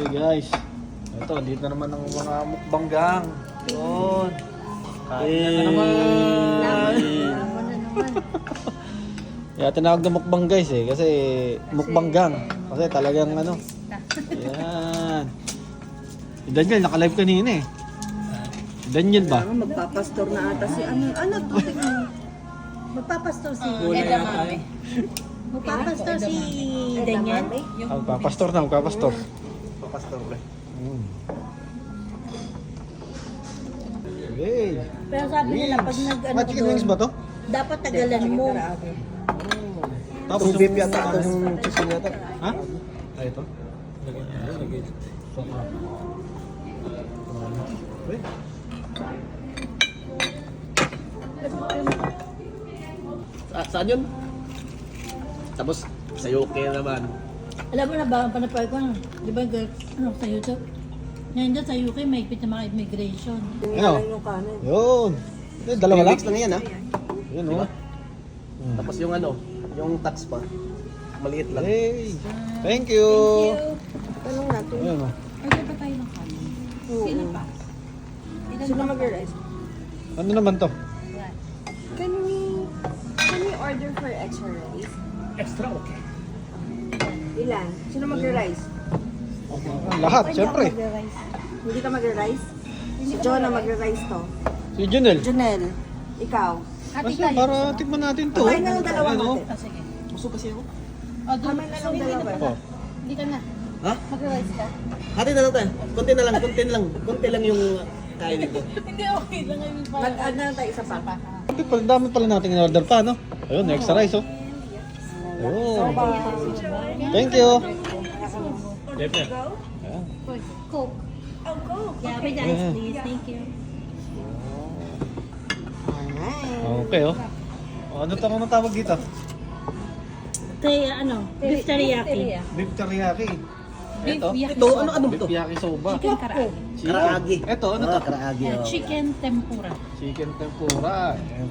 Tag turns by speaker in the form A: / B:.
A: guys. Ito, dito na naman ang mga mukbanggang. Yun. Kain na naman.
B: Lamon na naman.
A: Kaya tinawag na mukbang guys eh. Kasi mukbanggang. Kasi talagang ano. Ayan. Si Daniel, naka-live kanina eh. Si Daniel ba?
C: Magpapastor na ata si ano to?
B: Magpapastor si
D: Edamame.
B: Magpapastor si Daniel.
A: Magpapastor na, magpapastor.
E: Pastor ba?
A: Okay.
B: Pero sabi nila pag nag-ano
A: Chicken wings ba to?
B: dapat tagalan mo.
A: Tapos
E: Yung beef yata ito yung chicken yata.
A: Ha? Ay, ito?
E: Saan yun? Tapos sa UK naman.
B: Alam mo na ba ang panapal ko? Di ba ano, sa YouTube? Ngayon dyan sa UK may higpit na mga immigration.
A: Ano?
C: Yung kanin.
A: Yun. Dalawa lang?
E: Weeks lang yan ha.
A: Yun
E: Diba?
A: oh.
E: Tapos yung ano, yung tax pa. Maliit lang.
A: Hey. Thank you.
C: Tanong natin.
A: Ayun oh.
D: Order pa tayo ng kanin. Sino pa?
C: Sino mag-rice?
A: Ano naman to?
F: Can we order for extra rice?
C: Ilan? Sino mag-rice?
A: Lahat, syempre.
C: Hindi ka mag-rice? Si Jonah mag-rice to.
A: Si Junel.
C: Junel, ikaw.
D: Hati
A: Kasi
D: tayo.
A: para tikman natin to.
C: Kumain na ng dalawa
A: Ayan, oh.
C: natin.
D: Sige.
E: Busog kasi ako.
C: Kumain na ng dalawa.
A: Oh.
D: Hindi ka na.
E: Ha?
D: Mag-rice ka.
E: Hati na lang tayo. Konti na lang, konti lang yung kainin ko.
D: Hindi, okay lang. I mean, parang-
C: Mag-add na lang tayo isa pa.
A: Ito pala, dami pala natin in-order pa, no? Ayun, extra rice, oh. Ayun. Thank you. Ayan.
D: Coke.
B: Yeah, with ice please. Thank you.
A: Okay, oh. Oh, ano tawag dito?
B: Ano, beef teriyaki.
A: Beef teriyaki.
D: Beef
A: Ito?
E: Ito, ano
A: Beef
E: to?
A: yakisoba.
D: Chicken karaage.
E: Karaagi.
A: Ito, ano to?
E: Karaagi. oh.
D: Chicken tempura.
A: Chicken tempura. Ayan.